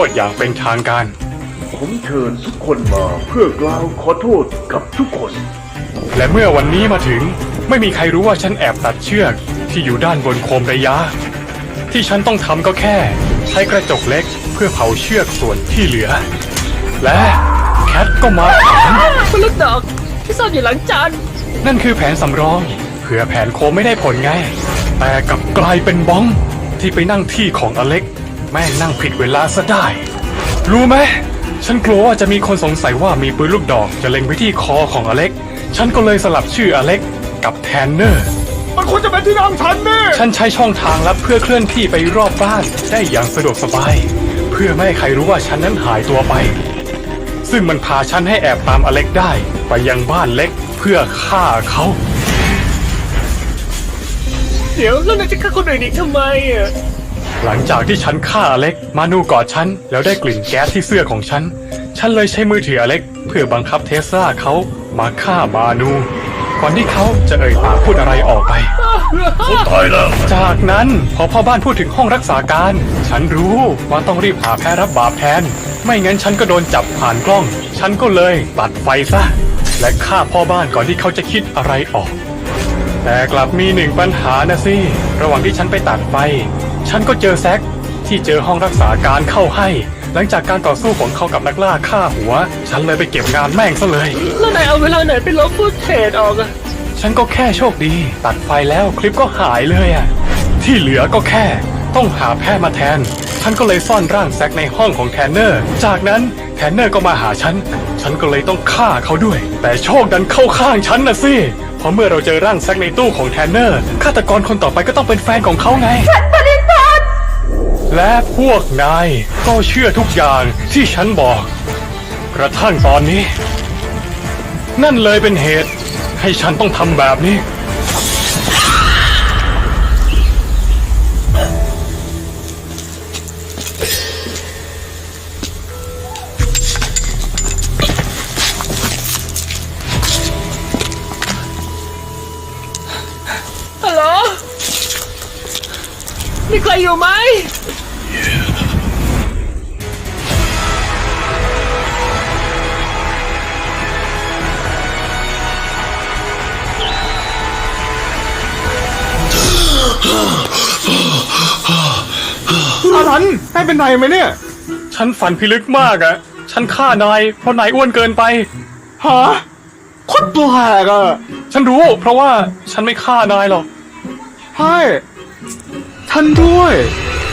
ษอย่างเป็นทางการผมเชิญทุกคนมาเพื่อกล่าวขอโทษกับทุกคนและเมื่อวันนี้มาถึงไม่มีใครรู้ว่าฉันแอบตัดเชือกที่อยู่ด้านบนโคมระยะที่ฉันต้องทำก็แค่ใช้กระจกเล็กเพื่อเผาเชือกส่วนที่เหลือและแคทก็มาถามคุณลูกดอกที่ซ่อนอยู่หลังจานนั่นคือแผนสำรองเผื่อแผนโคมไม่ได้ผลไงแต่กลับกลายเป็นบ้องที่ไปนั่งที่ของอเล็กแม่งนั่งผิดเวลาซะได้รู้ไหมฉันกลัวว่าจะมีคนสงสัยว่ามีปืนลูกดอกจะเล็งไปที่คอของอเล็กฉันก็เลยสลับชื่ออเล็กกับแทนเนอร์มันควรจะเป็นที่นั่งฉันนี่ฉันใช้ช่องทางลับเพื่อเคลื่อนที่ไปรอบบ้านได้อย่างสะดวกสบายเพื่อไม่ให้ใครรู้ว่าฉันนั้นหายตัวไปซึ่งมันพาฉันให้แอบตามอเล็กได้ไปยังบ้านเล็กเพื่อฆ่าเขาเดี๋ยวแล้วนายจะฆ่าคนอื่นอีกทำไมอ่ะหลังจากที่ฉันฆ่าอเล็กมานูกอดฉันแล้วได้กลิ่นแก๊สที่เสื้อของฉันเลยใช้มือถืออเล็กเพื่อบังคับเทสลาเขามาฆ่ามานูก่อนที่เขาจะเอ่ยปากพูดอะไรออกไปเขาตายแล้วจากนั้นพอพ่อบ้านพูดถึงห้องรักษาการฉันรู้ว่าต้องรีบหาแพ้รับบาปแทนไม่งั้นฉันก็โดนจับผ่านกล้องฉันก็เลยตัดไฟซะและฆ่าพ่อบ้านก่อนที่เขาจะคิดอะไรออกแต่กลับมีหนึ่งปัญหานะสิระหว่างที่ฉันไปตัดไฟฉันก็เจอแซคที่เจอห้องรักษาการเข้าให้หลังจากการต่อสู้ของเขากับนักล่าฆ่าหัวฉันเลยไปเก็บงานแม่งซะเลยแล้วนายเอาเวลาไหนไปลบฟุตเทจออกอะฉันก็แค่โชคดีตัดไฟแล้วคลิปก็หายเลยอะที่เหลือก็แค่ต้องหาแพทย์มาแทนฉันก็เลยซ่อนร่างแซคในห้องของแทนเนอร์จากนั้นแทนเนอร์ก็มาหาฉันก็เลยต้องฆ่าเขาด้วยแต่โชคดันเข้าข้างฉันนะสิเพราะเมื่อเราเจอร่างแซคในตู้ของแทนเนอร์ฆาตกรคนต่อไปก็ต้องเป็นแฟนของเขาไงฉันปฏิเสธและพวกนายก็เชื่อทุกอย่างที่ฉันบอกกระทั่งตอนนี้นั่นเลยเป็นเหตุให้ฉันต้องทำแบบนี้ฮัลโหลมีใครอยู่ไหมอารันได้เป็นไรไหมเนี่ยฉันฝันพิลึกมากอะฉันฆ่านายเพราะนายอ้วนเกินไปฮะโคตรแปลกอะฉันรู้เพราะว่าฉันไม่ฆ่านายหรอกใช่ฉันด้วย